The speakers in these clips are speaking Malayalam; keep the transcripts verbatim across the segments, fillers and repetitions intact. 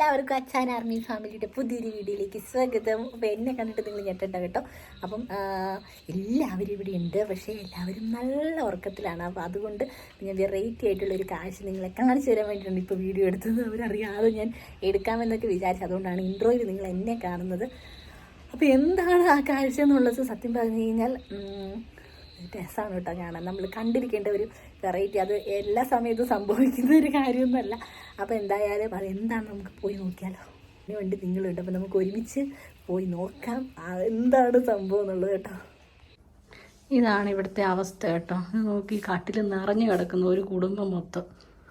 എല്ലാവർക്കും അച്ഛൻ ആർമി ഫാമിലിയുടെ പുതിയൊരു വീഡിയോയിലേക്ക് സ്വാഗതം. അപ്പോൾ എന്നെ കണ്ടിട്ട് നിങ്ങൾ ഞെട്ടണ്ട കേട്ടോ. അപ്പം എല്ലാവരും ഇവിടെ ഉണ്ട്, പക്ഷേ എല്ലാവരും നല്ല ഉറക്കത്തിലാണ്. അപ്പോൾ അതുകൊണ്ട് ഞാൻ വെറൈറ്റി ആയിട്ടുള്ളൊരു കാഴ്ച നിങ്ങളെ കാണിച്ചു തരാൻ വേണ്ടിയിട്ടാണ് ഇപ്പോൾ വീഡിയോ എടുത്തത്. അവരറിയാതെ ഞാൻ എടുക്കാമെന്നൊക്കെ വിചാരിച്ചു, അതുകൊണ്ടാണ് ഇൻട്രോയിൽ നിങ്ങൾ എന്നെ കാണുന്നത്. അപ്പോൾ എന്താണ് ആ കാഴ്ച എന്നുള്ളത് സത്യം പറഞ്ഞു കഴിഞ്ഞാൽ രസമാണ് കേട്ടോ കാണാൻ. നമ്മൾ കണ്ടിരിക്കേണ്ട ഒരു വെറൈറ്റി, അത് എല്ലാ സമയത്തും സംഭവിക്കുന്ന ഒരു കാര്യമൊന്നുമല്ല. അപ്പോൾ എന്തായാലും അതെന്താണ് നമുക്ക് പോയി നോക്കിയാലോ. അതിന് വേണ്ടി നിങ്ങളുണ്ട്, അപ്പോൾ നമുക്ക് ഒരുമിച്ച് പോയി നോക്കാം എന്താണ് സംഭവം എന്നുള്ളത് കേട്ടോ. ഇതാണ് ഇവിടുത്തെ അവസ്ഥ കേട്ടോ. നോക്കി കാട്ടിൽ നിറഞ്ഞു കിടക്കുന്ന ഒരു കുടുംബം മൊത്തം.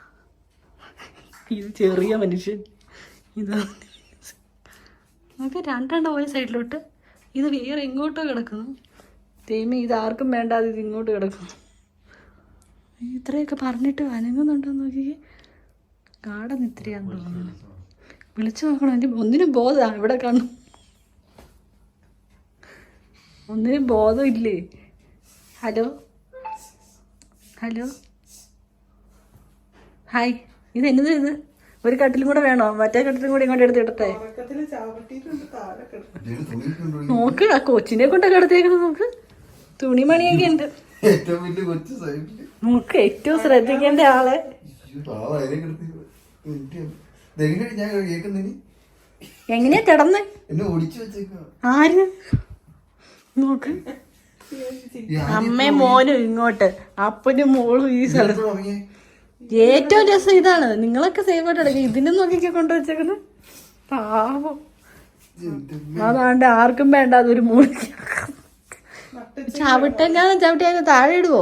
ഇത് ചെറിയ മനുഷ്യൻ, ഇതാണ് നമുക്ക് രണ്ടെണ്ണം ഒരു സൈഡിലോട്ട്, ഇത് വേറെ എങ്ങോട്ടോ കിടക്കുന്നു. തേമി ഇത് ആർക്കും വേണ്ടാതെ ഇത് ഇങ്ങോട്ട് കിടക്കുന്നു. ഇത്രയൊക്കെ പറഞ്ഞിട്ട് അനങ്ങുന്നുണ്ടോ നോക്കിയേ. കാടൻ ഇത്രയാന്ന് തോന്നുന്നു. വിളിച്ചു നോക്കണം, എൻ്റെ ഒന്നിനും ബോധമാണ്. ഇവിടെ കാണും, ഒന്നിനും ബോധമില്ലേ. ഹലോ ഹലോ ഹായ്, ഇത് എന്നത്? ഇത് ഒരു കട്ടിലും കൂടെ വേണോ? മറ്റേ കട്ടിലും കൂടെ ഇങ്ങോട്ട് എടുത്ത് ഇടട്ടെ. നോക്ക്, ആ കൊച്ചിനെ കൊണ്ടൊക്കെ എടുത്തേക്കുന്നത്. നോക്ക്, തുണിമണിയൊക്കെ ഉണ്ട്. നമുക്ക് ഏറ്റവും ശ്രദ്ധിക്കേണ്ട ആളെ. എങ്ങനെയാ കിടന്ന്? ആര് നോക്ക്, അമ്മയും മോനും ഇങ്ങോട്ട്, അപ്പനും മോളും ഈ സ്ഥലത്ത്. ഏറ്റവും രസം ഇതാണ്, നിങ്ങളൊക്കെ സേഫ് ആയിട്ട് എടുക്കുക. ഇതിനും നോക്കിയൊക്കെ കൊണ്ടുവച്ചേക്കുന്നത് പാവം. അതാണ്ട് ആർക്കും വേണ്ട അതൊരു മൂളി. ചവിട്ടെങ്ങാനും ചവിട്ടിയാൽ താഴെ ഇടുവോ?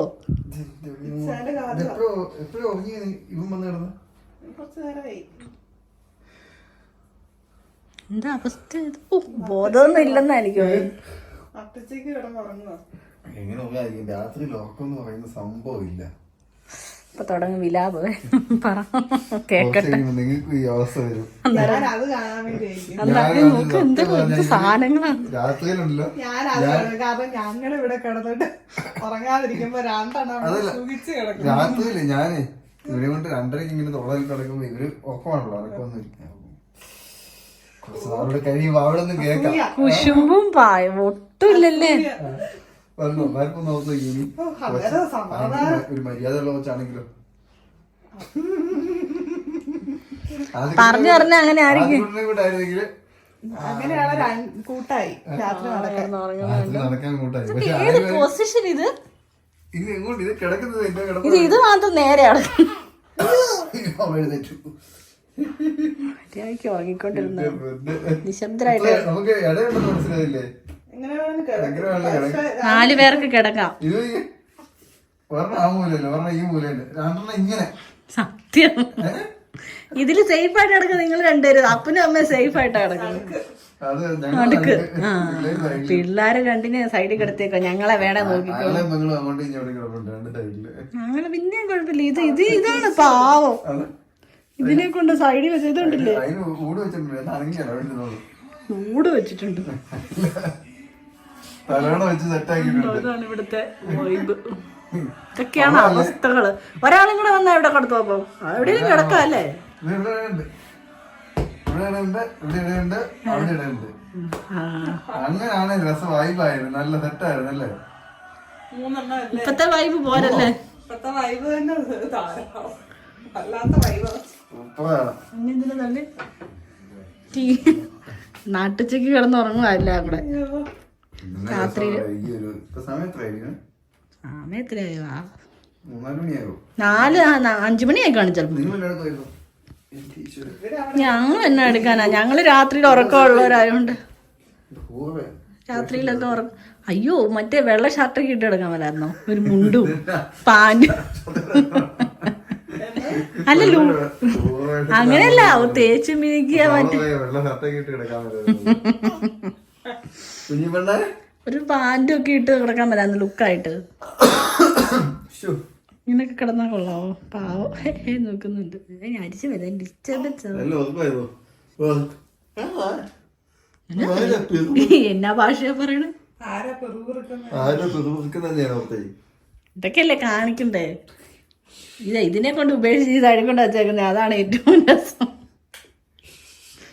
എന്താ അവസ്ഥ? ബോധമൊന്നും ഇല്ലെന്നാ എനിക്ക് സംഭവമില്ല. ഇപ്പൊ തുടങ്ങും വിലാപ്. പറ കേക്കട്ടെ. എന്ത് സാധനങ്ങളാണ് ഞങ്ങളിവിടെ കിടന്നിട്ട് ഉറങ്ങാതിരിക്കുമ്പോ രണ്ടെണ്ണം രാത്രിയില് ഞാന് ഇവരെ കൊണ്ട് രണ്ടരക്ക് ഇങ്ങനെ തൊള്ളയിൽ കിടക്കുമ്പോ ഇവര് ഒപ്പമാണല്ലോ, അതൊക്കെ അവരുടെ കഴിയുമ്പോ അവിടെ ഒന്നും കേൾക്കാം. കുശുമ്പും പായ ഒട്ടുമില്ലല്ലേ. വന്നോ മാർക്കും നോക്കി ഇനി ഒരു മര്യാദ ഉള്ള വെച്ചാണെങ്കിലോ പറഞ്ഞു പറഞ്ഞ അങ്ങനെ ആയിരിക്കും. അങ്ങനെയാണ് കൂട്ടായി രാത്രി നടക്കാൻ കൂട്ടായി. ഏത് പൊസിഷൻ ഇത്? ഇത് എങ്ങോട്ട് ഇത് കിടക്കുന്നത്? ഇത് ഇത് മാത്രം നേരെയാണ്. ഉറങ്ങിക്കൊണ്ടിരുന്ന നിശബ്ദരായിട്ട് നമുക്ക് ഇടയുണ്ടെന്ന് മനസ്സിലായില്ലേ? നാല് പേർക്ക് കിടക്കാം. സത്യം, ഇതില് സേഫ് ആയിട്ട് കിടക്കുക നിങ്ങൾ രണ്ടുപേരും. അപ്പനും അമ്മയും സേഫ് ആയിട്ടാ കിടക്കുന്നത്. അടുക്ക് ആ പിള്ളേരെ രണ്ടിനെ സൈഡിൽ കിടത്തേക്കോ. ഞങ്ങളെ വേണേ നോക്കിക്കോ. ഞങ്ങള് പിന്നെയും കുഴപ്പമില്ല. ഇത് ഇത് ഇതാണ് പാവം. ഇതിനെ കൊണ്ട് സൈഡിൽ വെച്ച് ഇതുണ്ടല്ലേ, ഊട് വെച്ചിട്ടുണ്ട്. അതാണ് ഇവിടുത്തെ വൈബ്. ഇതൊക്കെയാണ് അവസ്ഥകള്. ഒരാളും കൂടെ വന്നാ ഇവിടെ കിടത്തു. അപ്പം എവിടെയും കിടക്കാം അല്ലേ? അങ്ങനെയാണ് രസം. വൈബായിരുന്നു, നല്ല സെറ്റായിരുന്നു അല്ലേ? ഇപ്പത്തെ വൈബ് പോരല്ലേ? ഇപ്പത്തെ വൈബ് തന്നെ അല്ലാത്ത വൈബ്. നാട്ടുച്ചക്ക് കിടന്നുറങ്ങുവല്ല അവിടെ രാത്രി. നാല് അഞ്ചു മണിയായി കാണും ചിലപ്പോ. ഞങ്ങൾ എന്നാ എടുക്കാനാ, ഞങ്ങള് രാത്രിയിൽ ഉറക്കമുള്ളവരായോണ്ട് രാത്രിയിലൊക്കെ ഉറക്കം. അയ്യോ, മറ്റേ വെള്ള ഷർട്ടൊക്കെ ഇട്ട് എടുക്കാൻ മേലായിരുന്നോ? ഒരു മുണ്ടും പാൻറ്റും. അല്ലല്ലോ, അങ്ങനെയല്ല, തേച്ച് മിനിക്കുക. മറ്റേ ഒരു പാൻറ്റും ഒക്കെ ഇട്ട് കിടക്കാൻ പറ്റാന്ന് ലുക്കായിട്ട്. ഇങ്ങനൊക്കെ കിടന്നാ കൊള്ളാവോ? പാവം നോക്കുന്നുണ്ട്. ഞാൻ അരിച്ചു വരാൻ ഡിസ്റ്റർബൻസ്. എന്നാ ഭാഷയാ പറയണേ? ഇതൊക്കെയല്ലേ കാണിക്കണ്ടേ? ഇത് ഇതിനെ കൊണ്ട് ഉപേക്ഷിച്ച് ഇത് അഴിക്കൊണ്ട് വച്ചേക്കുന്നത്. അതാണ് ഏറ്റവും രസം.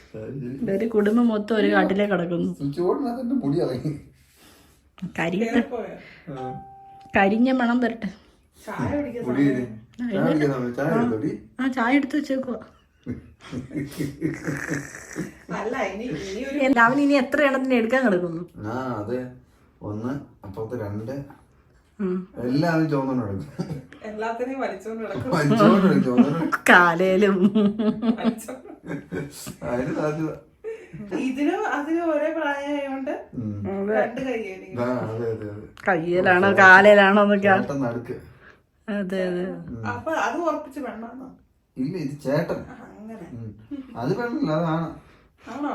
ഒരു കുടുംബം മൊത്തം ഒരു കാട്ടിലേക്ക് കിടക്കുന്നു. സ്വിച്ച് ബോർഡിനകത്ത് മുടി ഇറങ്ങി. കരിയട്ടെ, കരിഞ്ഞ മണം വരട്ടെ. ചായ കുടിക്കാൻ മുടി ചായ കുടിക്കാൻ സമയം. ചായ എടുത്തോടി. ആ ചായ എടുത്ത് വെച്ചേക്കുവാ. അല്ല ഇനി ഇനി ഒരു അവൻ ഇനി എത്ര എണ്ണത്തിന് എടുക്കാൻ കിടക്കുന്നു? ആ അതെ, ഒന്ന് അപ്പുറത്ത് രണ്ട് ഉം. എല്ലാവരും ചോന്നോണ്ട് എടുക്കും. എല്ലാത്തിനെയും വലിച്ചോണ്ട് കിടക്കും. വലിച്ചോണ്ട് എടുക്കും, ചോന്നോണ്ട് കാലേലും വലിച്ചോണ്ട്. അതിന് സാധ്യത. ഇതിനും അതിനും ഒരേ പ്രായമായോണ്ട് ഉം. രണ്ട് കൈയായിരിക്കും. ആ, അതെ അതെ അതെ. കയ്യിലാണോ കാലേലാണോ എന്നൊക്കെ. ചേട്ടൻ നടുക്ക്. അതെ അതെ. അപ്പൊ അത് ഉറപ്പിച്ച് വേണമെന്നോ? ഇല്ല, ഇത് ചേട്ടൻ. അങ്ങനെ ഉം. അത് പെണ്ണല്ല, അതാണ്. ആണോ?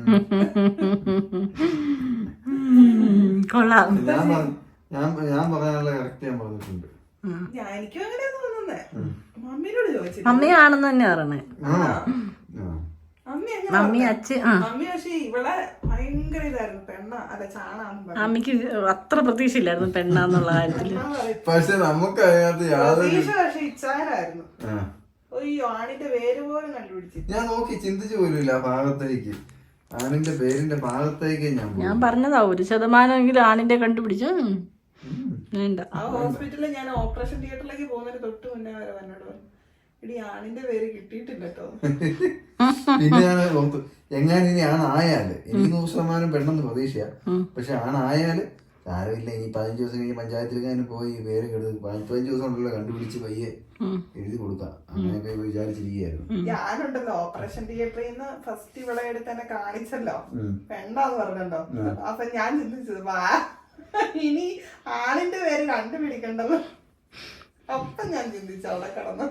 കൊള്ളാം. ഞാൻ പറ- ഞാൻ ഞാൻ പറയാനുള്ള കറക്റ്റ് ഞാൻ പറഞ്ഞിട്ടുണ്ട്. ഞാൻ എനിക്കും അങ്ങനെ തോന്നുന്നേ. മമ്മിനോട് ചോദിച്ചില്ല. മമ്മിയാണെന്ന് തന്നെ പറയണേ. ആ ആ. മമ്മി എങ്ങനെ മമ്മി പറഞ്ഞേ? അച്ഛൻ ആ മമ്മി പക്ഷെ ഇവിടെ ഭയങ്കര ഇതായിരുന്നു, പെണ്ണ അല്ല ചാണാന്ന് പറഞ്ഞു. അമ്മയ്ക്ക് അത്ര പ്രതീക്ഷയില്ലായിരുന്നു പെണ്ണാന്നുള്ള കാര്യത്തില്. പക്ഷെ നമുക്ക് അതിനകത്ത് യാതൊരു പ്രതീക്ഷ പക്ഷെ ഇച്ചാരായിരുന്നു. ആ. അയ്യോ ആണിന്റെ പേര് പോലും കണ്ടുപിടിച്ചു. ഞാൻ നോക്കി ചിന്തിച്ചു പോലുമില്ല ആ ഭാഗത്തേക്ക്, ആണിന്റെ പേരിന്റെ ഭാഗത്തേക്ക് ഞാൻ പോയി. ഞാൻ പറഞ്ഞതാ ഒരു ശതമാനമെങ്കിലും ആണിന്റെ കണ്ടുപിടിച്ച വേണ്ട. ആ ഹോസ്പിറ്റലിൽ ഞാൻ ഓപ്പറേഷൻ തിയേറ്ററിലേക്ക് പോകുന്നതിന് തൊട്ട് മുന്നേ വരെ എന്നോട് പറഞ്ഞു, ഇടി ആണിന്റെ പേര് കിട്ടിയിട്ടില്ല കേട്ടോ. പിന്നെ ഞാൻ ഓർത്തു, എങ്ങനെ ഇനി ആണായാല് എനിക്ക് നൂറ് ശതമാനം പെണ്ണെന്ന് പ്രതീക്ഷയാ. പക്ഷെ ആണായാല് സാരമില്ല, ഇനി പതിനഞ്ച് ദിവസം കഴിഞ്ഞ് പഞ്ചായത്തിലേക്ക് പോയി പേര് കെടുത്ത് പതിനഞ്ച് ദിവസം ഉണ്ടല്ലോ കണ്ടുപിടിച്ച് പയ്യെ എഴുതി കൊടുക്കാം, അങ്ങനെയൊക്കെ വിചാരിച്ചിരിക്കുകയായിരുന്നു. ഞാനുണ്ടല്ലോ ഓപ്പറേഷൻ തിയേറ്ററിൽ നിന്ന് ഫസ്റ്റ് ഇവിടെ എടുത്ത് തന്നെ കാണിച്ചല്ലോ, പെണ്ണാന്ന് പറഞ്ഞല്ലോ. അപ്പൊ ഞാൻ ചിന്തിച്ചത് വാ ഇനി ആണിന്റെ പേര് കണ്ടുപിടിക്കണ്ടല്ലോ. അപ്പൊ ഞാൻ ചിന്തിച്ചു അവിടെ കിടന്നു.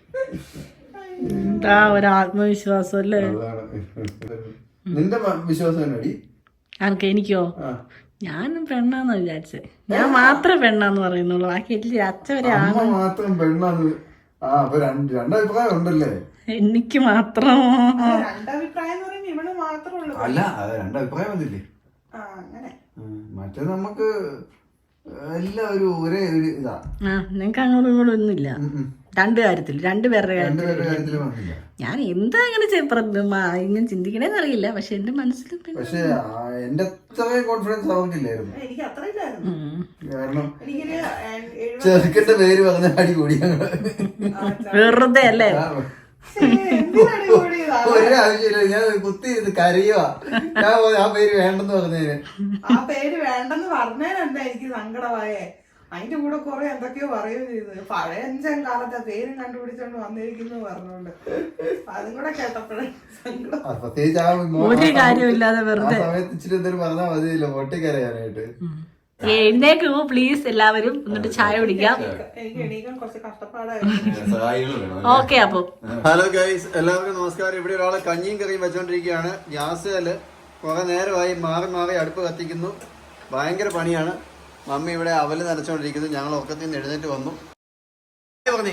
എന്താ ഒരു ആത്മവിശ്വാസം അല്ലേ. അതാണ്. നിന്റെ വിശ്വാസം എന്നടി? ആർക്ക്? എനിക്കോ? ഞാനും പെണ്ണാന്ന് വിചാരിച്ചേ. ഞാൻ മാത്രമേ പെണ്ണാന്ന് പറയുന്നുള്ളൂ, ബാക്കി എല്ലാ അച്ഛൻ വരെ അമ്മ മാത്രം പെണ്ണാന്ന്. ആ അപ്പൊ രണ്ട് രണ്ടഭിപ്രായം ഉണ്ടല്ലേ? എനിക്ക് മാത്രം. രണ്ടഭിപ്രായം എന്ന് പറയുമ്പോ ഇവിടെ മാത്രമേ ഉള്ളൂ. അല്ല, അത് രണ്ടഭിപ്രായം വന്നില്ലേ? ആ അങ്ങനെ. മറ്റേ നമുക്ക് എല്ലാം ഒരു ഒരേ ഒരു ഇതാ. ആ നിങ്ങക്ക് അങ്ങോട്ടും ഇങ്ങോട്ടും ഒന്നുമില്ല രണ്ടു കാര്യത്തിൽ, രണ്ടുപേരുടെ കാര്യത്തിൽ. രണ്ടുപേരുടെ കാര്യത്തില് വന്നില്ല. ഞാൻ എന്താ അങ്ങനെ ചെ- പ്ര- മ- ഇങ്ങനെ ചിന്തിക്കണേന്ന് അറിയില്ല, പക്ഷെ എന്റെ മനസ്സിൽ പിന്നെ പക്ഷെ എന്റെ അത്രയും കോൺഫിഡൻസ് അവർക്കില്ലായിരുന്നു. എനിക്ക് അത്ര ഇല്ലായിരുന്നു. കാരണം എനിക്കൊരു എഴുപത് ചെറുക്കന്റെ പേര് പറഞ്ഞ അടി കൂടി ഞങ്ങള്. വെറുതെ അല്ലേ. എന്തിനാണ് കൂടിയതാ? ഒരാവശ്യമില്ല, ഞാൻ കുത്തി ഇത് കരയുവാ. ഞാൻ പോയി, ആ പേര് വേണ്ടെന്ന് പറഞ്ഞതിന്. ആ പേര് വേണ്ടെന്ന് പറഞ്ഞതിനെന്താ എനിക്ക് സങ്കടമായേ. അതിന്റെ കൂടെ കുറെ എന്തൊക്കെയോ പറയുകയും ചെയ്തു. പഴയ അഞ്ചാം കാലത്തെ പേരും കണ്ടുപിടിച്ചോണ്ട് വന്നിരിക്കുന്നു പറഞ്ഞോണ്ട് അതും കൂടെ കേട്ടപ്പോഴേ സങ്കടം. ആ, പ്രത്യേകിച്ച് ആ മോ- ഒരു കാര്യമില്ലാതെ ആ വെറുതെ സമയത്ത് ഇച്ചിരി എന്തെങ്കിലും പറഞ്ഞാൽ മതിയല്ലോ പൊട്ടിക്കരയാനായിട്ട്. എഴുന്നേക്ക് പോ പ്ലീസ് എല്ലാവരും, എന്നിട്ട് ചായ കുടിക്കാം. എനിക്ക് എണീക്കാൻ കുറച്ച് കഷ്ടപ്പാടായിരുന്നു. ഓക്കെ അപ്പൊ ഹലോ ഗൈസ്, എല്ലാവർക്കും നമസ്കാരം. ഇവിടെ ഒരാളെ കഞ്ഞിയും കറിയും വെച്ചോണ്ടിരിക്കുകയാണ്. ഗ്യാസില് കുറെ നേരമായി മാറി മാറി അടുപ്പ് കത്തിക്കുന്നു, ഭയങ്കര പണിയാണ്. മമ്മി ഇവിടെ അവല് നനച്ചോണ്ടിരിക്കുന്നു. ഞങ്ങൾ ഉറക്കത്തിൽ നിന്ന് എഴുന്നേറ്റ് വന്നു. പറഞ്ഞേ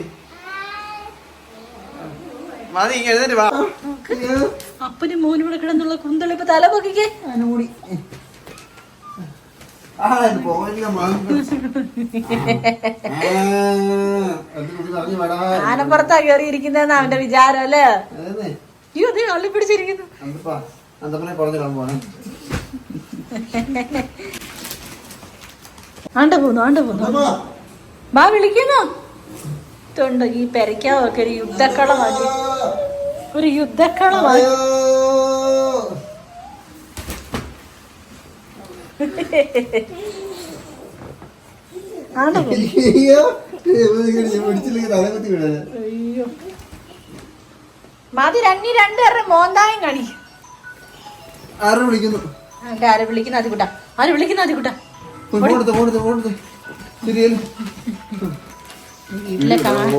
മതി, എഴുന്നേറ്റ് വാ. അപ്പനും മോനും കൂടെ കിടന്നുള്ള കുന്തളിപ്പ് തല പൊക്കിക്കേ. അനുകൂടി ആനപ്പുറത്താ കയറിയിരിക്കുന്നതെന്നാ അവന്റെ വിചാരം അല്ലേ. അയ്യോ അതേ അള്ളി പിടിച്ചിരിക്കുന്നു. ആണ്ട പോന്നു ആണ്ട പോന്നു ബാ വിളിക്കുന്നു. തൊണ്ട് ഈ പെരയ്ക്കാവൊക്കെ ഒരു യുദ്ധക്കളമാക്കി, ഒരു യുദ്ധക്കളമാക്കി. ആണ്ട പോ. അയ്യോ മതി, രണ്ടീ രണ്ടുപേരുടെ മോന്തായം കാണിക്കും. ആരെ വിളിക്കുന്നു? ആരെ വിളിക്കുന്ന അതി കൂട്ടാ, ആര് വിളിക്കുന്ന അതി കൂട്ടാ. വീട്ടിലെ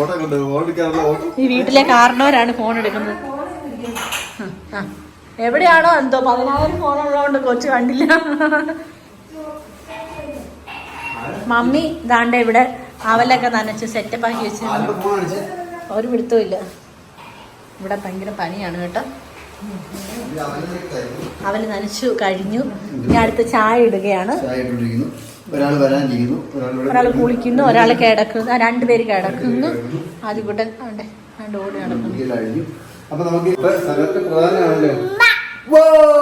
ഈ വീട്ടിലെ കാരണവരാണ് ഫോൺ എടുക്കുന്നത്. ആ എവിടെയാണോ എന്തോ പതിനായിരം ഫോണുള്ളതുകൊണ്ട് കൊച്ചു കണ്ടില്ല. മമ്മി ദാണ്ട ഇവിടെ അവലൊക്കെ നനച്ച് സെറ്റപ്പ് ആക്കി വെച്ചിരുന്നു, ഒരു പിടുത്തവും ഇല്ല. ഇവിടെ ഭയങ്കര പനിയാണ് കേട്ടോ. അവല് നനച്ചു കഴിഞ്ഞു, ഇനി അടുത്ത് ചായ ഇടുകയാണ്. ഒരാൾ കുളിക്കുന്നു, ഒരാൾ കിടക്കുന്നു, രണ്ടുപേര് കിടക്കുന്നു. ആദ്യകൂട്ടൻ അവിടെ രണ്ട് ഓടി നടക്കുന്നു. Wow!